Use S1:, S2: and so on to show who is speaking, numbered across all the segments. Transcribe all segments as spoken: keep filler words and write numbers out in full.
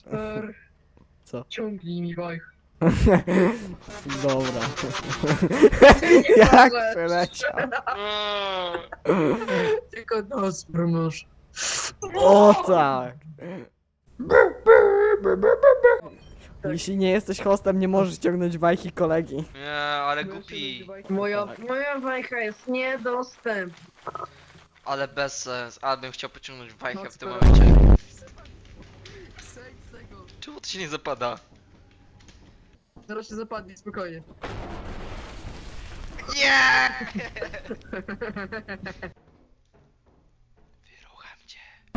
S1: Kasper,
S2: Co?
S1: ciągnij mi bajch.
S2: Dobra.
S1: Nie
S2: Jak
S1: możesz.
S2: przeleciał?
S1: Tylko nos promusz.
S2: O tak! Jeśli nie jesteś hostem, nie możesz ciągnąć bajki kolegi.
S3: Nie, ale głupi.
S1: Moja,
S2: Tak.
S1: moja bajka jest niedostępna.
S3: Ale bez sens. Ale bym chciał pociągnąć wajchę w tym
S1: No,
S3: momencie.
S1: Zejdź z tego.
S3: Czemu to się nie zapada?
S1: Zaraz się zapadnie, spokojnie.
S3: Nie! Wyrucham cię.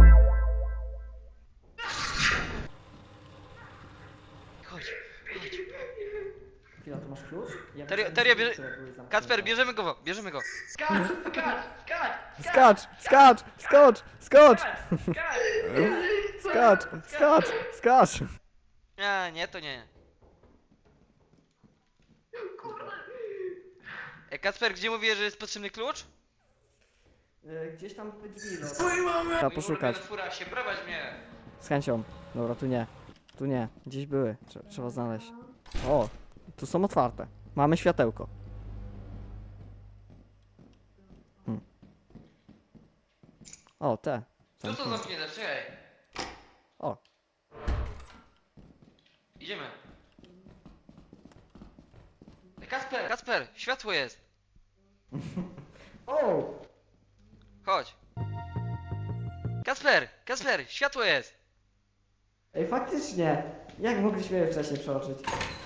S3: Chodź, chodź.
S2: Chwila, tu masz klucz? Ja
S3: Terio, Terio, bierze... Kacper, bierzemy go, bierzemy go.
S4: Skacz, skacz, skacz!
S2: Skacz! Skacz! Skocz! Skocz!
S4: Skacz!
S2: Skacz! Skacz! Skacz!
S3: Nie, nie, to nie. E, Kacper, gdzie mówię, że jest potrzebny klucz?
S2: Gdzieś tam drzwi, no.
S1: Twojej mamy!
S2: Trzeba
S3: Mój
S2: poszukać.
S3: ulubiony furasie, prowadź mnie.
S2: Z chęcią. Dobra, tu nie. Tu nie. Gdzieś były. Trze- trzeba znaleźć. O! Tu są otwarte. Mamy światełko. Hmm. O, te.
S3: Co to zamknięte? Czekaj.
S2: O.
S3: Idziemy. E, Kacper, Kacper, światło jest.
S2: O!
S3: Chodź. Kacper, Kacper, światło jest.
S2: Ej, faktycznie! Jak mogliśmy je wcześniej przeoczyć?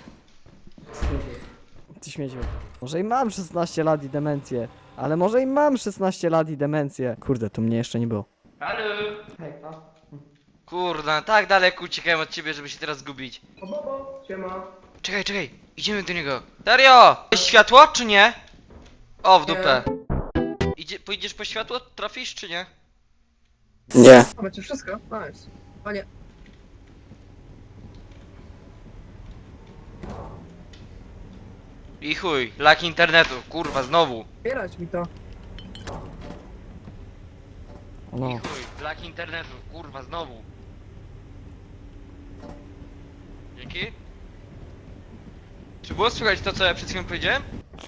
S2: Ty śmieciu. Może i mam szesnaście lat i demencję. Ale może i mam szesnaście lat i demencję. Kurde, tu mnie jeszcze nie było.
S3: Halo.
S2: Hej, a?
S3: Kurna, tak daleko uciekałem od ciebie, żeby się teraz zgubić.
S1: O, bobo, siema.
S3: Czekaj, czekaj, idziemy do niego. Dario! Jest światło, czy nie? O, w dupę. Idzie, pójdziesz po światło? Trafisz, czy nie?
S2: Nie.
S1: A macie wszystko? Nice. A nie.
S3: I chuj, lak internetu, kurwa, znowu.
S1: Bierać mi to.
S3: I
S2: No.
S3: chuj, lak internetu, kurwa, znowu. Dzięki. Czy było słychać to, co ja przed chwilą powiedziałem?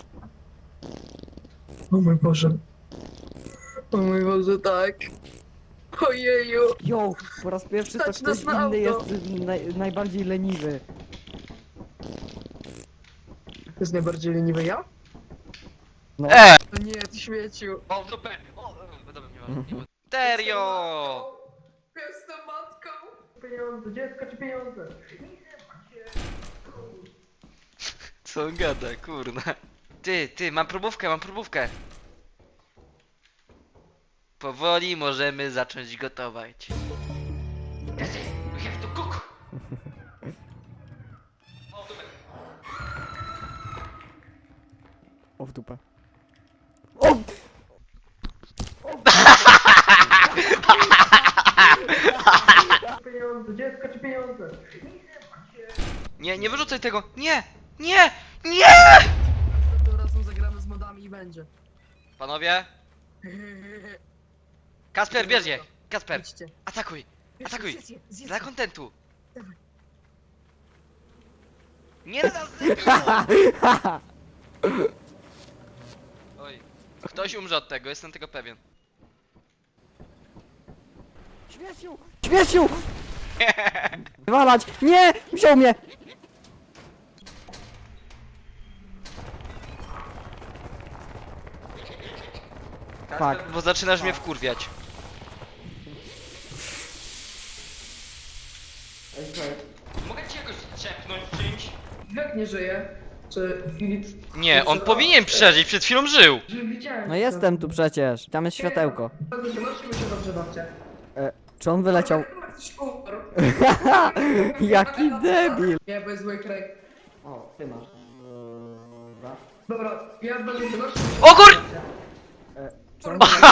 S1: O mój Boże. O mój Boże, tak. Ojeju.
S2: Jo, po raz pierwszy to
S1: Stać
S2: ktoś
S1: nas na
S2: inny jest
S1: auto.
S2: naj, najbardziej leniwy.
S1: To jest najbardziej leniwy ja?
S2: No.
S3: E!
S1: No nie, ty śmieciu.
S3: O, w dupę! O, o, dobra, nie ma, nie ma. Serio!
S1: Jestem matką. Pieniądze, dziecko czy pieniądze?
S3: Co on gada, kurna. Ty, ty, mam próbówkę, mam próbówkę. Powoli możemy zacząć gotować. That's it, we have to cook. O, dupę.
S2: O, w dupę. O!
S1: Pieniądze, dziecko czy pieniądze?
S3: Nie, nie wyrzucaj tego! Nie! Nie! Nie!
S1: Następnym razem zagramy z modami i będzie.
S3: Panowie, Kasper, bierz je! Kasper,
S1: Idźcie.
S3: atakuj! Atakuj!
S1: Zjedz je, zjedz
S3: Dla
S1: je.
S3: kontentu!
S1: Dawaj.
S3: Nie na nas zabiło! Oj, ktoś umrze od tego, jestem tego pewien.
S2: Śmieciu! Śmieciu! Walać! Nie! Wziął mnie!
S3: Kasper, bo zaczynasz mnie wkurwiać. Mogę ci jakoś czepnąć czymś?
S1: Jak nie żyje? Czy Filip...
S3: Nie, on powinien przeżyć, przed chwilą żył!
S1: Widziałem.
S2: No jestem tu przecież. Tam jest światełko.
S1: Bardzo się martwimy się dobrze babcia.
S2: E, czy on wyleciał?
S1: Ktoś umarł.
S2: Jaki debil!
S1: Nie, bo jest zły kraj.
S2: O, ty masz.
S1: Dobra, ja będę się martwił.
S3: O kur...
S2: E, czy on wyleciał?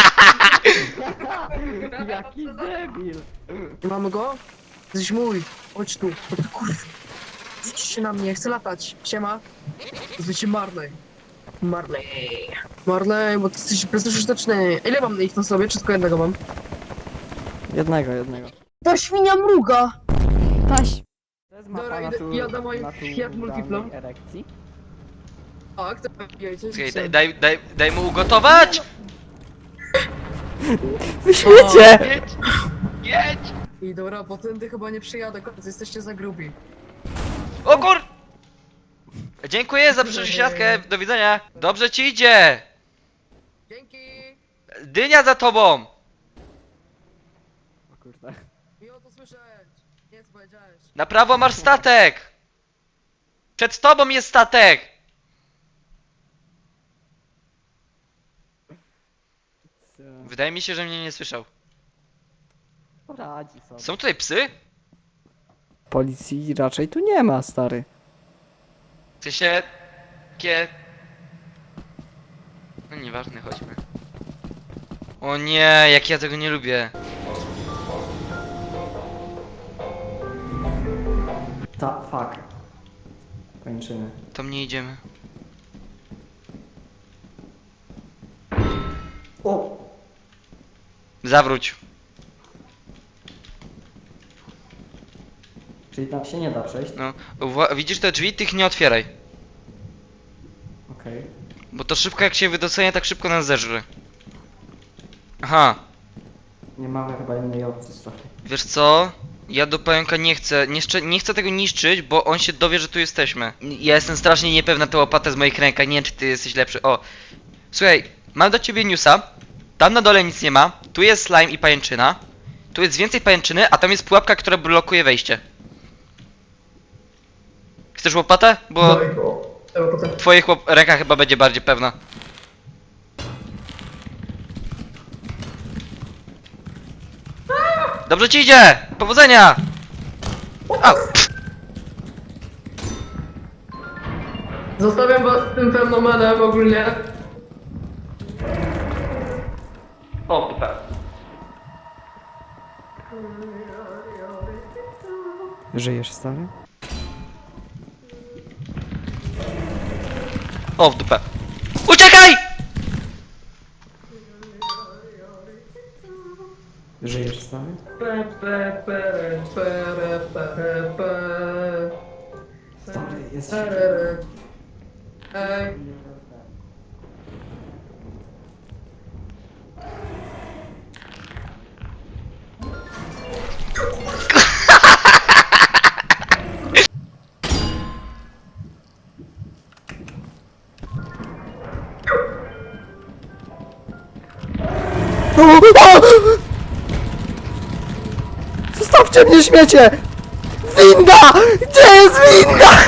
S2: Jaki debil!
S1: Mamy go? Jesteś mój. Chodź tu. O ty kurwa. Rzuć się na mnie, chcę latać. Siema. Zwycie Marley. Marley. Marley, bo ty jesteś bezużyteczny. Ile mam na ich na sobie? Czy tylko jednego mam?
S2: Jednego, jednego.
S1: Ta świnia mruga!
S2: Taś! To jest
S1: Dobra,
S2: mapa
S1: idę-
S2: natu-
S1: jadę moim Fiat
S2: naturalnej
S1: Multiplą.
S2: erekcji.
S1: Tak, to jajce.
S3: Czekaj, daj, daj, daj, daj mu ugotować!
S2: Wy śmiecie!
S3: Jedź! Jedź!
S1: I dobra, bo tędy chyba nie przyjadę, koledzy, jesteście za grubi.
S3: O kur... Dziękuję za przesiadkę, do widzenia. Dobrze ci idzie!
S1: Dzięki!
S3: Dynia za tobą!
S2: O kurde.
S1: Miło to słyszeć. Nie co powiedziałeś.
S3: Na prawo masz statek! Przed tobą jest statek!
S2: Co?
S3: Wydaje mi się, że mnie nie słyszał.
S2: Poradzi sobie.
S3: Są tutaj psy?
S2: Policji raczej tu nie ma, stary.
S3: W sensie... Kie... No nieważne, chodźmy. O nie, jak ja tego nie lubię.
S2: Ta, fuck. Kończymy.
S3: To mnie idziemy.
S2: O!
S3: Zawróć.
S2: Czyli tam się nie da przejść?
S3: No, wła- widzisz te drzwi? Tych nie otwieraj.
S2: Okej.
S3: Bo to szybko jak się wydostanie, tak szybko nas zeżre. Aha,
S2: Nie mamy chyba innej opcji, stary.
S3: wiesz co? Ja do pająka nie chcę, nie, szcze- nie chcę tego niszczyć, bo on się dowie, że tu jesteśmy. Ja jestem strasznie niepewna tę łopatę z moich rękach, nie wiem czy ty jesteś lepszy. O, słuchaj, mam do ciebie newsa. Tam na dole nic nie ma, tu jest slime i pajęczyna. Tu jest więcej pajęczyny, a tam jest pułapka, która blokuje wejście. Chcesz łopatę? Bo
S1: Daj go. Dobra, potem.
S3: w twoich łop- rękach chyba będzie bardziej pewna. Dobrze ci idzie! Powodzenia! A,
S1: Zostawiam was z tym fenomenem ogólnie.
S3: o, tak.
S2: Żyjesz, stary?
S3: O, w dupę. Uciekaj!
S2: Żyjesz, stary?
S1: Pe, pe, pere, pere, pere, pe.
S2: Stary, jest
S1: Perere. Ej,
S2: Zostawcie mnie, śmiecie! Winda! Gdzie jest winda?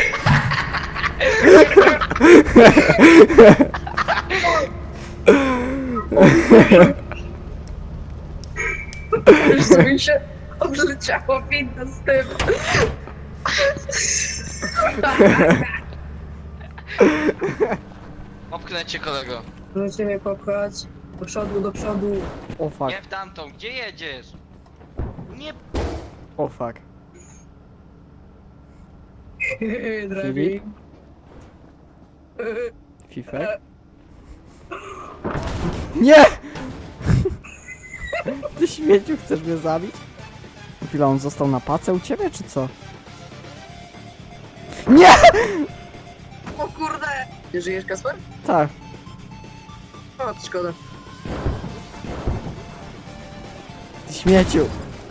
S1: już mi się odleciało winda z tym.
S3: Popchnę cię, kolego.
S1: Możecie mnie popchać. Do przodu, do przodu.
S2: O fuck,
S3: Nie w tamtą, gdzie jedziesz? Nie...
S2: o fuck.
S1: Drabi.
S2: Fifek? Nie! Ty śmieciu, chcesz mnie zabić? Chwila, on został na pace u ciebie, czy co? Nie!
S1: O kurde! Nie żyjesz, Kasper?
S2: Tak.
S1: O, to szkoda.
S2: Ty śmieciu.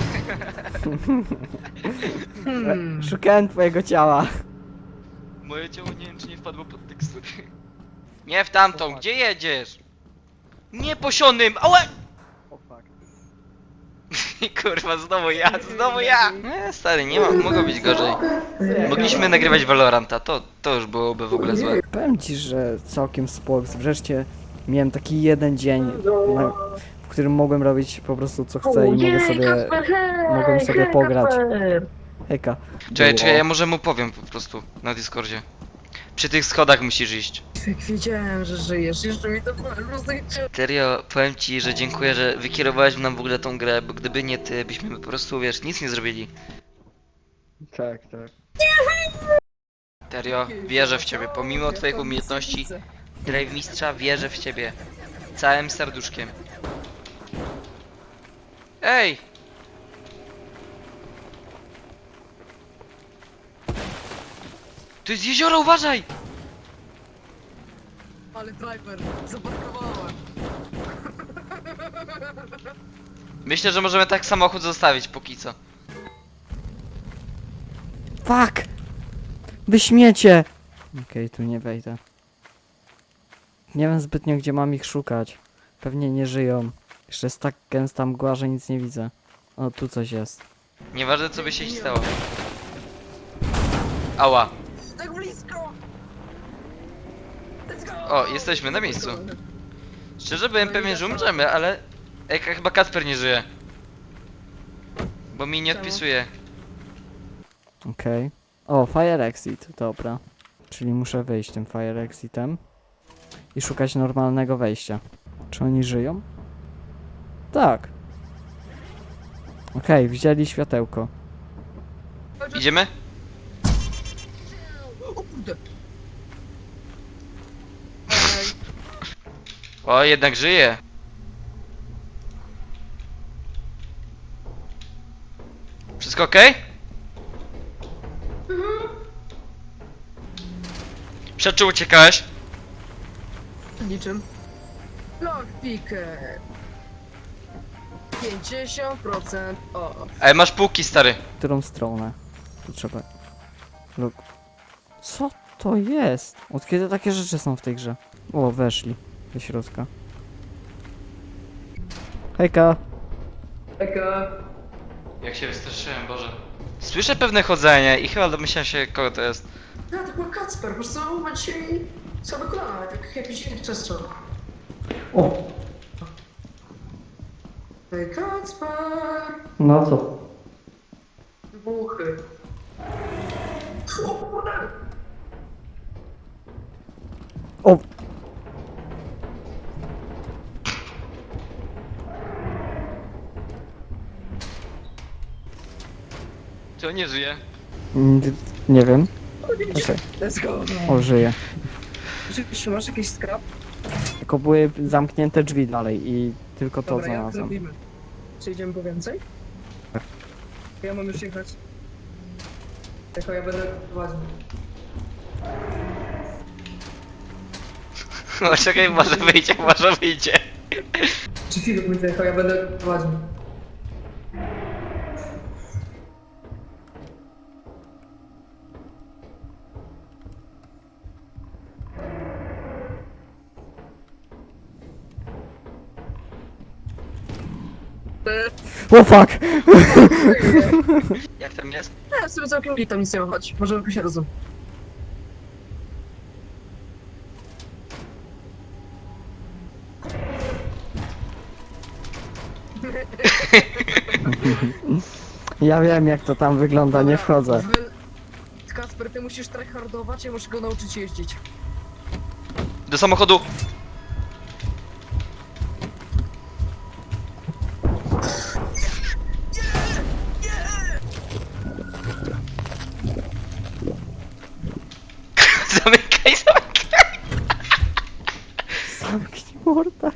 S1: Hmm.
S2: Szukałem twojego ciała.
S3: Moje ciało nie wiem, czy nie wpadło pod tekstury. Nie w tamtą, gdzie jedziesz? Nie posionym, ałe!
S2: O fuck.
S3: Kurwa, znowu ja, znowu ja! Nie, stary, nie ma, mogło być gorzej. Mogliśmy nagrywać Valoranta, to, to już byłoby w ogóle złe.
S2: Powiem ci, że całkiem spoko. Wreszcie miałem taki jeden dzień, na, w którym mogłem robić po prostu co chcę i mogę sobie, mogłem sobie pograć. Hejka.
S3: Czekaj, czekaj, ja może mu powiem po prostu na Discordzie. Przy tych schodach musisz iść.
S1: Jak wiedziałem, że żyjesz, jeszcze mi to po prostu idzie.
S3: Serio, powiem ci, że dziękuję, że wykierowałeś nam w ogóle tą grę, bo gdyby nie ty, byśmy po prostu, wiesz, nic nie zrobili.
S2: Tak, tak.
S3: Serio, wierzę w ciebie, pomimo twoich umiejętności, Drive mistrza, wierzę w ciebie. Całym serduszkiem. Ej! To jest jezioro, uważaj!
S1: Ale driver, zaparkowałem.
S3: Myślę, że możemy tak samochód zostawić póki co.
S2: Fuck! Wy śmiecie! Okej, tu nie wejdę. Nie wiem zbytnio, gdzie mam ich szukać. Pewnie nie żyją. Jeszcze jest tak gęsta mgła, że nic nie widzę. O, tu coś jest.
S3: Nieważne co by się stało. Ała.
S1: Tak blisko! Let's go!
S3: O, jesteśmy na miejscu. Szczerze byłem pewien, że umrzemy, ale... Ej, chyba Kacper nie żyje. Bo mi nie
S1: Czemu?
S3: odpisuje.
S2: Okej. O, fire exit, dobra. Czyli muszę wyjść tym fire exitem. I szukać normalnego wejścia. Czy oni żyją? Tak. Okej, widzieli światełko.
S3: Idziemy?
S1: O kurde! Ej,
S3: O, jednak żyje. Wszystko okej? Przed czym uciekałeś?
S1: niczym. Lockpicker. pięćdziesiąt procent off.
S3: Ej, masz półki, stary.
S2: W którą stronę? Tu trzeba... Luk. Co to jest? Od kiedy takie rzeczy są w tej grze? O, weszli do środka. Hejka!
S1: Eka.
S3: Jak się wystraszyłem, Boże. Słyszę pewne chodzenie i chyba domyślam się, kogo to jest.
S1: Ja, to był Kacper, po prostu ma dzisiaj same kolana, tak jakiś inny przestrzał.
S2: O!
S1: Ej, Kacper!
S2: No co?
S1: Wybuchy. O kurde!
S2: O!
S3: Czy on nie żyje?
S2: Mm, Nie wiem. Okej.
S1: Let's go!
S2: O, żyje.
S1: Rzeczywiście, masz jakiś skrap?
S2: Tylko były zamknięte drzwi dalej i tylko to
S1: Dobra, jak
S2: znalazłem.
S1: zrobimy? Czy idziemy po więcej? Ja mam już jechać. Tylko ja będę prowadził.
S3: No czekaj, może wyjdzie, może wyjdzie.
S1: Czy chwilę pójdę, tylko ja będę prowadził.
S2: O fuck!
S3: Jak tam jest?
S1: Ja sobie całkiem nie tam nic nie ma, chodź. Możemy się rozum.
S2: Ja wiem jak to tam wygląda, nie wchodzę.
S1: Wy- Kacper, ty musisz tryhardować, ja muszę go nauczyć jeździć.
S3: Do samochodu! Zamykaj, zamykaj!
S2: Zamknij mordę.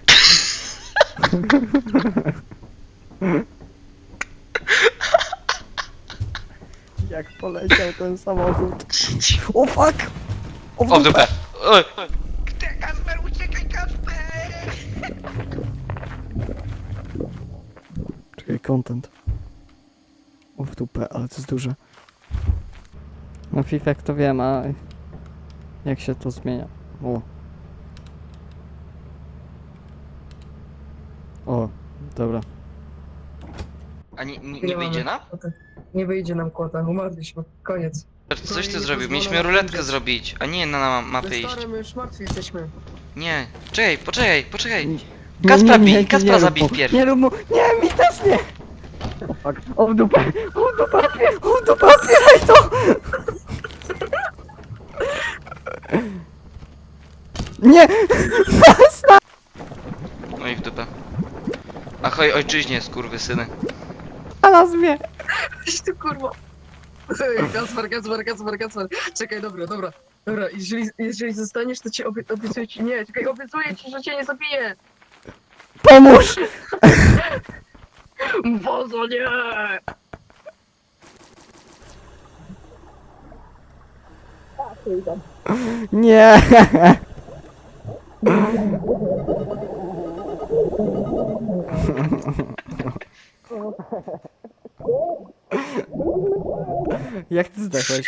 S2: Jak poleciał ten samochód. O fuck! O, w
S3: O, w
S2: dupę.
S3: dupę! Oj.
S4: Kasper, uciekaj, Kasper!
S2: Czekaj, content. O w dupę, ale to jest duże. No FIFA to wiem, a jak się to zmienia? O. O, dobra.
S3: A nie, nie, nie wyjdzie nam?
S1: Nie wyjdzie nam kłota, umarliśmy. Koniec.
S3: Coś ty
S1: nie
S3: zrobił,
S1: pozwolą
S3: mieliśmy
S1: nam
S3: ruletkę
S1: umrzeć.
S3: zrobić, a nie na mapę
S1: My
S3: iść.
S1: stary, my już martwi jesteśmy.
S3: Nie, czekaj, poczekaj, poczekaj.
S2: Nie,
S3: Kacpra
S2: nie, nie,
S3: bij,
S2: nie,
S3: Kacpra
S2: nie rób
S3: zabij
S2: mu.
S3: wpierw.
S2: Nie rób mu, nie, mi też nie! O fuck, o w dupę, o w dupę, o w dupę, otwieraj to! Nie!
S3: No i w dupę. Ahoj ojczyźnie, skurwysyny.
S2: Znalazł mnie!
S1: Idź tu kurwa. Ej, Kacper, Kacper, Kacper, Kacper. Czekaj, dobra, dobra. Dobra, jeżeli, jeżeli zostaniesz, to cię obie, obiecuję ci, nie, czekaj, obiecuję ci, że cię nie zabiję.
S2: Pomóż!
S1: Bozo, nie!
S2: Nie! Jak ty zdechłeś?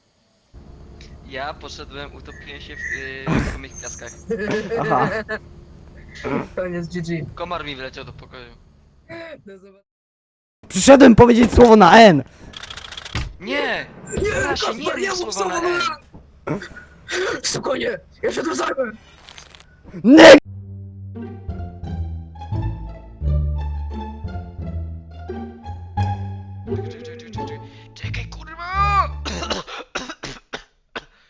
S3: Ja poszedłem, utopiłem się w, yy, w samych piaskach.
S2: Aha.
S1: Koniec G G.
S3: Komar mi wleciał do pokoju.
S1: Do zobaczenia.
S2: Przyszedłem powiedzieć słowo na N!
S3: Nie!
S1: Nie,
S3: Proszę,
S1: Kasper,
S3: nie
S1: ja
S3: mów
S1: mów
S3: słowa
S1: słowo
S3: na
S1: na N! Spokojnie, ja się tu zajmę!
S2: Nyk!